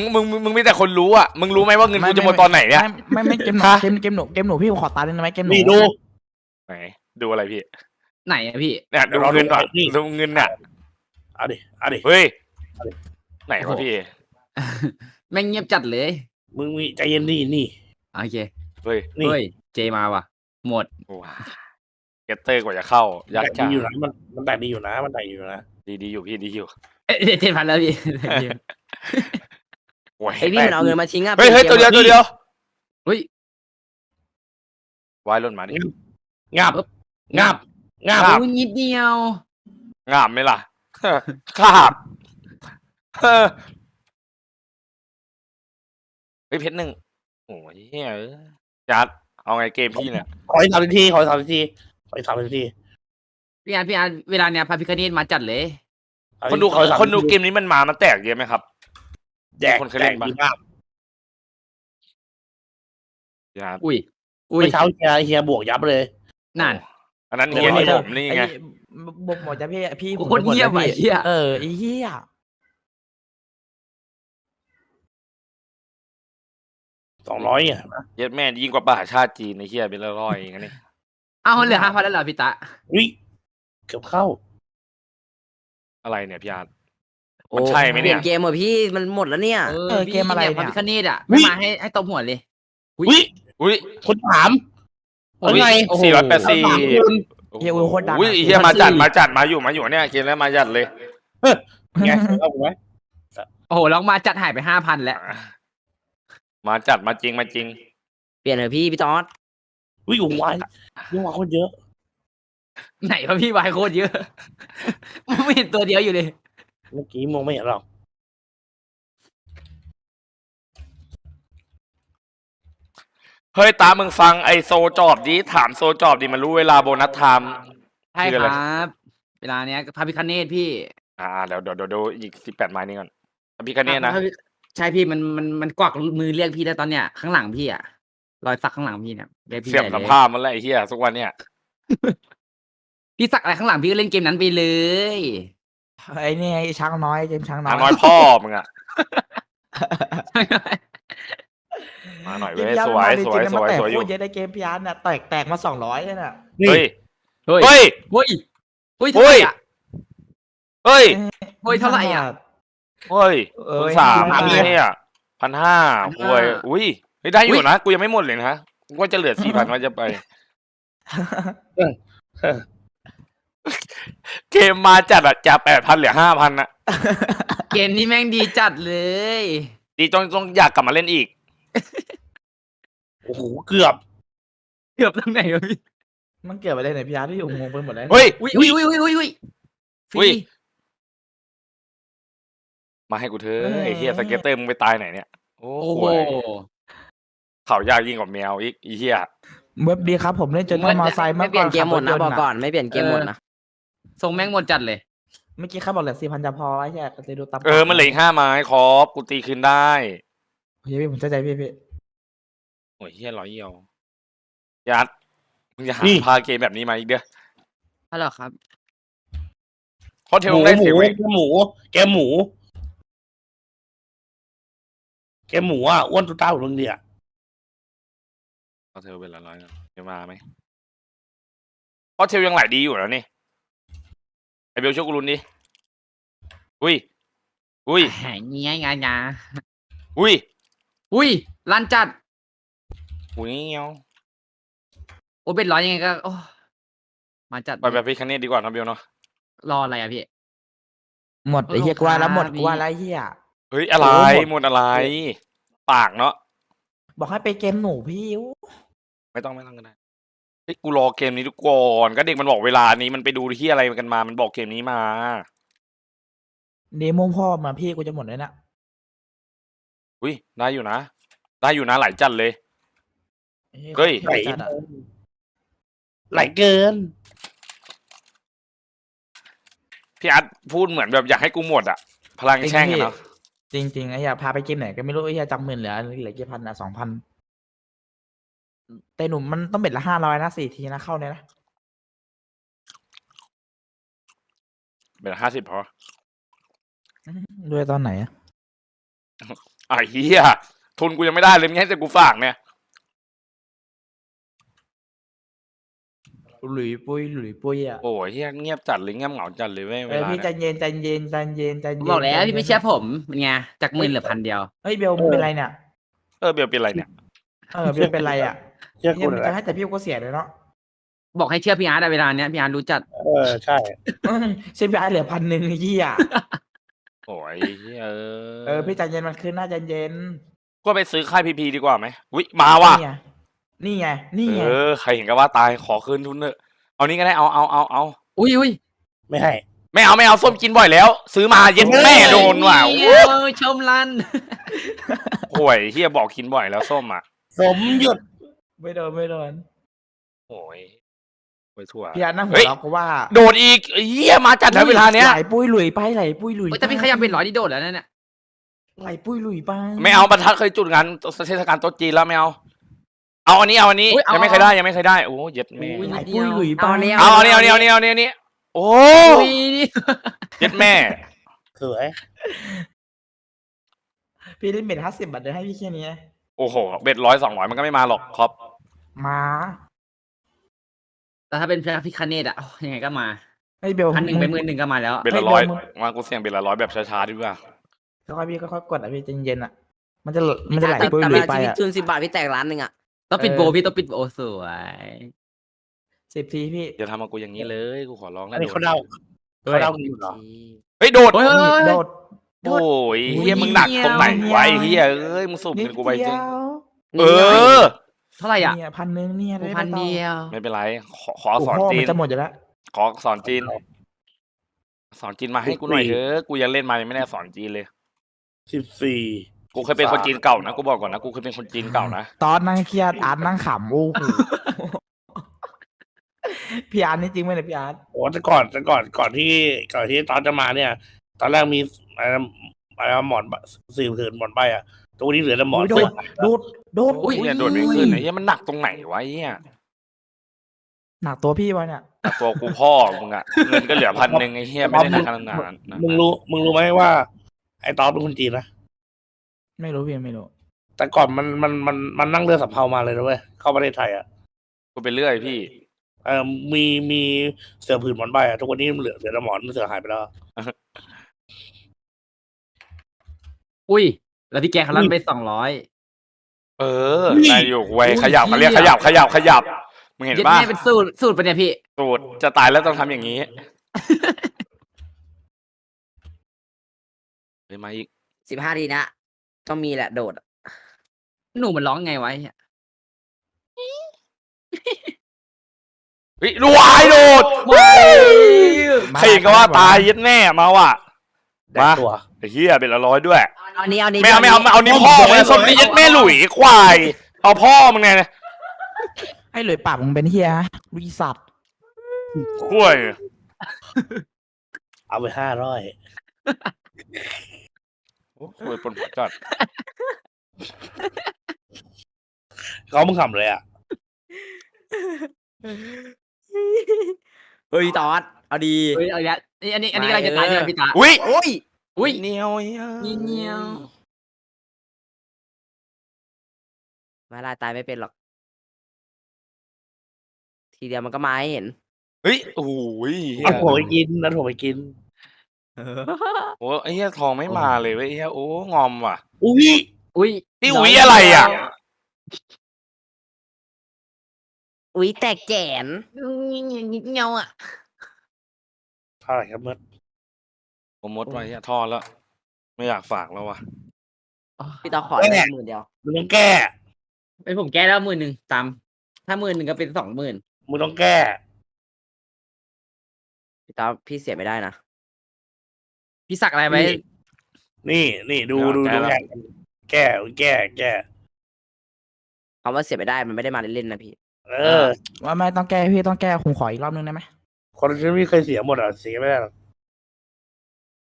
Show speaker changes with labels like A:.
A: มึงมีแต่คนรู้อ่ะมึงรู้ไหมว่าเงินกูจะหมดตอนไหนเนี่ย
B: ไม่เกมหนูเกมหนูพี่ขอตาได้ไหมเกมหนู
C: นี่ดู
A: ไหนดูอะไรพี่
D: ไหนอะพี่
A: เนี่ยดูเงินอ่ะดูเงินอ่ะ
C: เอาดิ
A: เฮ้ยไหนวะพี่
D: แม่งเงียบจัดเลย
C: มึงมีใจเย็นนี่
D: โอเค
A: เฮ้ย
C: นี่
D: เฮ้ยเจมาว่ะ หมด
A: ว้าเกตเตอร์กว่าจะเข้า
C: แต
A: ยาก
C: ก
A: จั
C: ดี
A: ง
C: อยู่นะมันแตกดีอยู่นะมันแตกอยู่นะ
A: ดีอยู่พี่ดีอยู่
D: เอ้ย7,000แล้วพี่
A: โอ้ย
E: ไอพี่มันเอาเงินมาทิ้งอ่ะ
A: เฮ้ยตัวเดียว
D: เฮ้ย
A: วายล่นมาดิ
C: งับ
A: ครับ
D: โอ้ยนิดเดียว
A: งามไหมล่ะ ครับเฮ้ยเพชรหนึ่งโอ้ยเฮ้ยจัดเอาไงเกมพี่เนี่ย
C: ขออีก3 นาที
D: พี่อาร์ตเวลาเนี้ยพระพิฆเนศมาจัดเลย
A: คนดูเกมนี้มันแตกเยอะไหมครับ
C: แจก
A: คนเคยเล่นปะ
C: ดีมาก
A: จัด
D: อุ้ย
C: เมื่อเช้าเฮียบวกยับเลย
D: นั่น
A: อันนั้นเฮียนี่ผมนี่ไง
B: บอกหมดจะพี่
D: โคตรเงียบไอ้เหี้ย
B: ไอ้เหี้ย
C: 200อ่ะ
A: เย็ดแม่ยิ่งกว่าประชาติจีนในเฮียเป็นร้อยอย่างนี้
D: เอาเหลือ5,000แล้วเหรอพี่ตะ
C: วิเกือบเข้า
A: อะไรเนี่ยพี่อาร์ตมันใช่ไหม
E: เปลี่
A: เนี่ย ย
E: นเกมเหรอพี่มันหมดแล้วเนี่ย
B: เกมอะไร
D: พระ
B: เนี่ย
D: พิฆเนศอ่ะ
C: อุ๊
D: ไม่
C: ย
D: มาให้ตบหัวเลย
C: วิ
A: อุ้ย
C: คนถาม
D: โอ้ย
C: ไง
D: โอ้โห
A: 480
B: เฮียอุ้ยโคตรดัง
A: อุ้ยเฮียมาจัดมาอยู่เนี่ยเกมแล้วมาจัดเลย
C: ไงเอาผมไหม
D: โอ้โหลองมาจัดหายไป5,000แล้ว
A: มาจัดมาจริง
E: เปลี่ยนเถอะพี่จอร์ด
C: วิอยู่วายยังว่าคนเยอะ
D: ไหนวะพี่วายโคตรเยอะ ไม่เห็นตัวเดียวอยู่เลย
C: เมื่อกี้มองไม่เห็นหรอก
A: เฮ้ยตามึงฟังไอโซจอบดิถามโซจอบดิมันรู้เวลาโบนัสไทม์
D: ใช่
A: คือ
D: ค
A: อะไร
D: รับ เวลาเนี้ยพระพิฆเนศพี่
A: เดี๋ยวอีก18 ไม้นี้ก่อนพี่คะเนนะ
D: ใช่พี่มันกวักมือเรียกพี่ได้ตอนเนี้ยข้างหลังพี่อ่ะรอยสักข้างหลังพี่เนี่ยเรียกพี่
A: เสียบ
D: ใหญ่
A: สัม
D: เลย
A: ภาษณ์มันแหละไอ้เหี้ยทุกวันเนี่ย
D: พี่สักอะไรข้างหลังพี่ก็เล่นเกมนั้นไปเลย
B: ไอ้นี่ไอ้ช้างน้อยเกมช้างน้
A: น้
B: อย
A: น้อยพ่อมึงอะมาหน่อยเว้ยสวยอยู่
B: โคตรเยอะในเกมพี่อาร์ตเนี่ยแตกมา200เลยน่ะ
C: นี่
A: เฮ้ย
D: เฮ้ย
A: เฮ้ย
D: เฮ้ยเฮ้ยเท่าไหร่อ่ะ
A: เฮ้ย
D: เฮ้ยเท่าไหร่อ่ะ
A: เฮ้ย
B: เอ้ย
A: 3เนี่ย1,500ห่วยอุ้ยเฮ้ยได้อยู่นะกูยังไม่หมดเลยนะกูว่าจะเหลือ 4,000 ว่าจะไป เกมมาจัดอะจาก 8,000 เหลือ 5,000นะ
D: เกมนี้แม่งดีจัดเลย
A: ดีต้องอยากกลับมาเล่นอีก
C: โอ้โหเกือบ
D: เกือบตรงไหนวะพี่
B: มันเกิดอะไรเนี่ยพี่อาร์ตที่อยู่งงไปหมดแล้ว
A: เฮ้ย
D: อุ้ยอุ้ยอุ้ยอุ้ยอุ้ยฟ
A: อุ้
D: รี
A: ย มาให้กูเถอะไอ้เหี้ยสเก็ตเตอร์มึงไปตายไหนเนี่ยโอ้
D: โอ้
A: โห
D: โห
A: เขายากยิ่งกว่าแมวอีกไอ้เหี้ย
B: เว็บดีครับผมเล่นจนต้องมอไซค์
E: ไม่
B: เมื่อ
E: เปลี่ยนเกมหมดนะ
B: ขั
E: บอก
B: รถยต์
E: ก่อนไม่เปลี่ยนเกมหมดนะ
D: ทรงแม่งหมดจัดเลย
B: เมื่อกี้เขาบอกเหลือ4,000จะพอไอ้แค่ก็เลยดูตาม
A: มันเหลืออีก5 ไม้ครบกูตีคืนได้
B: เฮ้ยพี่ผมเข้าใจพี่
A: โอ้ยเหี้ยร้อยเยี่ยวยัดมึงจะหาพาเกมแบบนี้มาอีกเด้อ
D: ฮัลโหลครับ
A: เพราะเทลได้เสียเว้ย
C: แกหมูอ่ะอ้วนตุ๊ต้าหัวเดีย
A: เพราะเทลเป็นร้อยๆจะมาไหมเพราะเทลยังไหลดีอยู่แล้วนี่ไอเบลช่วยกูรุนดิอุ้ย
D: เงี้ยงา
A: อุ้ย
D: อุ้ยลันจัด
A: อุ้ยเงี้ยว
D: โอเป็นร้อยยังไงก็โอ้มาจัด
A: ไปแบบพี่คันนี้ดีกว่านะเบลเนาะ
D: รออะไรอ่ะพี่
B: หมดไอ้เหี้ยกว่าแล้วหมด
D: พี่
B: กว่าแล้วไอ้เหี้ย
A: เฮ้ยอะไรหมดอะไร ปากเนาะ
B: บอกให้ไปเกมหนูพี่
A: ไม่ต้องก็ได้เฮ้ยกูรอเกมนี้ทุกก่อนก็เด็กมันบอกเวลานี้มันไปดูที่อะไรกันมามันบอกเกมนี้มา
B: เดโมพ่อมาพี่กูจะหมดเลยนะ
A: อุ้ยได้อยู่นะหลายจัดเลย เฮ้ย
C: ไหลไหลเกิน
A: พี่อาร์ตพูดเหมือนแบบอยากให้กูหมดอะพลังแช่งอะเนาะ
B: จริงไอ้เหี้ยพาไปเกมไหนก็ไม่รู้ไอ้เหี้ยจำหมื่นเหลือกี่พันอ่ะ2,000แต่หนุ่มมันต้องเบ็ดละ500นะ4 ทีนะเข้าเนี่ยนะ
A: เป็น50พอ
B: ด้วยตอนไหนอะ
A: ไอ้เหี้ยทุนกูยังไม่ได้เลยมึงให้แต่กูฝากเนี่ย
B: หลุยปุ้ยหลุยปุ้ยอ่ะ
A: โอ้ยเหี้ยเงียบจัดเลยเงียบเหงาจัดเลยเว้ยเวลา
B: พี่ใจ
A: เนี่ย
B: เย็นใจเย็นใจเย็นใจ
D: ผม
B: เย็น
D: บอกแล้ว
B: ใจย็น
D: พี่ไม่เชื่อผมเป็นไงจากหมื่นเหลือพันเดียว
B: เฮ้ยเบลมึงเป็นไรเนี่ย
A: เบลเป็นไรเนี่ย
B: เบลเป็นไรอ่ะ
C: เชื่อ
B: เฮี
C: กู
B: ย
C: ห
B: มึ
C: น่
B: ง
C: อย
B: จะ
C: นะ
B: ให้แต่พี่ก็เสียเลยเนาะ
D: บอกให้เชื่อพี่อาร์ตอะเวลาเนี้ยพี่อาร์ตรู้จัด
C: ใช่
B: เซฟไอเหลือ1,000ไอ้เหี้ย
A: โอ้ยเหี้ย
B: พี่ใจเย็นมันขึ้นหน้าใจเย็น
A: ก็ไปซื้อค่ายพีพีดีกว่าไหมวิมาว่ะ
B: นี่ไงนี่ไง
A: ใครเห็นก็ว่าตายขอคืนทุนเถอะเอานี้ก็ได้เอา
D: อุ้ย
C: ไม่ให้
A: ไม่เอาส้มกินบ่อยแล้ว ซื้อมาเย็นแม่โดนว่ะ
D: เอ้ยชมรัน
A: โอ้ยเฮียบอกกินบ่อยแล้วส้มอ่ะ
C: สมหยุด
B: ไม่โดน
A: โอ้ยไปทั่ว
B: พี่อาร์ตนั่งหั
A: เฮ้
B: วย เราะเพราะว่า
A: โดดอีกเฮียมาจัดแล้วเวลาเนี้ย
B: ไหลปุ้ยหลุยไปไหลปุ้ยหลุย
D: โอ้ยแต่พี่ขยับเป็น100ที่โดดแล้วนั่นเนี่ย
B: ไหลปุ้ยหลุยไป
A: ไม่เอาบรรทัดเคยจุดงานเทศกาลโต๊ะจีนแล้วไม่เอาอันนี้ยังไม่เคยได้โอ้เย็ดแม่
B: ไหลปุ้ยหลุยไป
A: เอาอันนี้โอ้
D: อุ้ยนี่
A: เย็ดแม่
C: สวย
B: พี่ได้เบ็ด50 บาทเดี๋ยวให้พี่แค่นี้
A: โอ้โหเบ็ด100-200มันก็ไม่มาหรอกครับ
B: มา
D: แต่ถ้าเป็นพระพิคเนตอะโอ้ยยังไงก็มา
B: ไอ้เบล
D: 1,000ไป10,000ก็มาแล้ว
A: เบ็ดละ
B: เฮ้ย
A: 100
B: มึง
A: มากูเสี่ยงเบ็ดละ100แบบช้าๆดีกว่า
B: ค่อยๆพี่ค่อยๆกดอ่ะพี่ใจเย็นๆอ่ะ มันจะไหลปุ้ย
E: แต่
B: หลุ
E: เวย ลา
B: ไป
E: ที่พี่
B: อ่ะ
E: ทุน10 บาทพี่แตกล้านหนึ่งอ่ะ
D: ต้องปิดโบพี่ต้องปิดโบสวย
B: 10 ทีพี่
A: อย่าทำมากูอย่างนี้เลยกูขอร้อง
C: อั
A: นะ
C: นนี้เขาเดากันอยู่เหรอ
A: เฮ้ยโดด
D: โอ้ย
B: โดด
A: โอ้ยเฮียมึงหนักตรงไหนไวะไอ้เฮียเอ้ยมึงสูบ
B: นิด
A: เงินกูไป
B: เดี
A: จริ
B: ย
A: ง
B: ว
A: เออ
D: เท่าไหร่อ่ะ
B: เนี่ย1,000เนี่ยได้
D: พันเดียว
A: ไม่เป็นไรขอ
B: โอ้
A: สอน
B: โห
A: จี
B: มัน นจะหมดอยู่แล้ว
A: ขอสอนจีน สอนจีนมาให้กูหน่อยเถอะกูยังเล่นมายังไม่ได้สอนจีนเลย
C: 14
A: กูเคยเป็นคนจีนเก่านะกูบอกก่อนนะกูเคยเป็นคนจีนเก่านะ
B: ตอนนั่งเครียดอาร์ตนั่งขำโอ้โหพี่อาร์ตนี่จริงไหมเนี่ยพี่อาร์ต
C: โอ้แต่ก่อนที่ตอนจะมาเนี่ย ตอนแรกมีอะไรหมอนสื่อถือหมอนใบอ่ะตัวนี้เหลือแต่หมอน
B: โดดโดด
A: โอ้ยเนี่ยโดดไม่ขึ้นไอ้เฮียมันหนักตรงไหนวะไอ้เฮีย
B: หนักตัวพี่วะเนี่ย
A: ตัวกูพ่อมึงอะเงินก็เหลือ1,000ไอ้เฮียไม่ได้หนักขนาดนั้น
C: มึงรู้ไหมว่า ไอ้ตอนเป็นคนจีนนะ
B: ไม่รู้พี่ไม่รู้
C: แต่ก่อนมันนั่งเรือสำเภามาเลยนะเว้ยเข้าประเทศไทยอ่ะ
A: กูไปเรื่อยพี่
C: มีเสือผืนหมอนใบอ่ะทุกวันนี้เหลือแต่หมอนเสือหายไปแล้ว
D: อุ้ย แล้วพี่แกเขาลั่นไป200
A: เออได้อยู่เว้ยขยับมาเรียกขยับมึงเห็น
D: เย็ด
A: ป่ะ
D: แม่เป็นสูตรปะเนี่ยพี่
A: สูตรจะตายแล้วต้องทำอย่างนี้เฮ้ยมาอีก
E: 15 ทีนะต้องมีแหละโดดอะ
D: หนูมันร้องไงไว้เนี่ย
A: เฮ้ยรวยโดดใครเห็นก็ว่าตายยัดแน่มาว่ะ
C: แดกตัว
A: ไอ้เหี้ยเป็นละ100ด้วย
E: เอานี้เอานี้
A: ไม่เอานี่พ่อมึงส้มนี่ยัดแม่หลุยควายเอาพ่อมึงไง
B: ไอ้หลุยปากมึงเป็นเฮียลุยสัตว์
A: คุ้ย
C: เอาไป500
A: โอ้ยปนหัวจัด
C: เขามึงขำเลยอ่ะ
E: เฮ้ยตอดเอาดี
D: เฮ้ยเอาอีกแล้วอันนี้กำลังจะตายใช่ไหมพี่ตา
A: อุ้ย
E: โอ้ย
D: อุ้ย
A: เหนียว
D: เงี้ยว
E: มาลายตายไม่เป็นหรอก ทีเดียวมันก็มาให้เห็น
A: เฮ้ยโอ้ย
C: เอาผมไปกินนะผมไปกิน
A: โอ้ไอ้เหี้ยทองไม่มาเลยเว้ยไอ้เหี้ยโอ้งอมว่ะ
C: อุ้ย
D: อุ้ย
A: นี่อุ๊ยอะไรอ่ะ
E: อุ้ยแตกแจน
D: เงี้ยวอ่ะ
C: เท่าไหร่ครับเมื่อ
A: ผมมดไว้เหี้ยทอดแล้ว ไม่อยากฝากแล้วว่ะ
E: พี่ตอขอได้10,000 เดียว
C: มึงต้องแก้
D: เป็นผมแก้แล้ว10,000ตามถ้า10,000ก็เป็น20,000
C: มึงต้องแก้
E: พี่ตอพี่เสียไม่ได้นะ
D: พี่สักอะไรไว้
C: นี่ดู แก้
E: คำว่าเสียไม่ได้มันไม่ได้มาเล่นๆนะพี่
C: เออ
B: ว่าไม่ต้องแก้พี่ต้องแก้ผมขออีกรอบนึงได้ไหม
C: คนที่ไม่เคยเสียหมดอ่ะเสียไม่ได้หรอก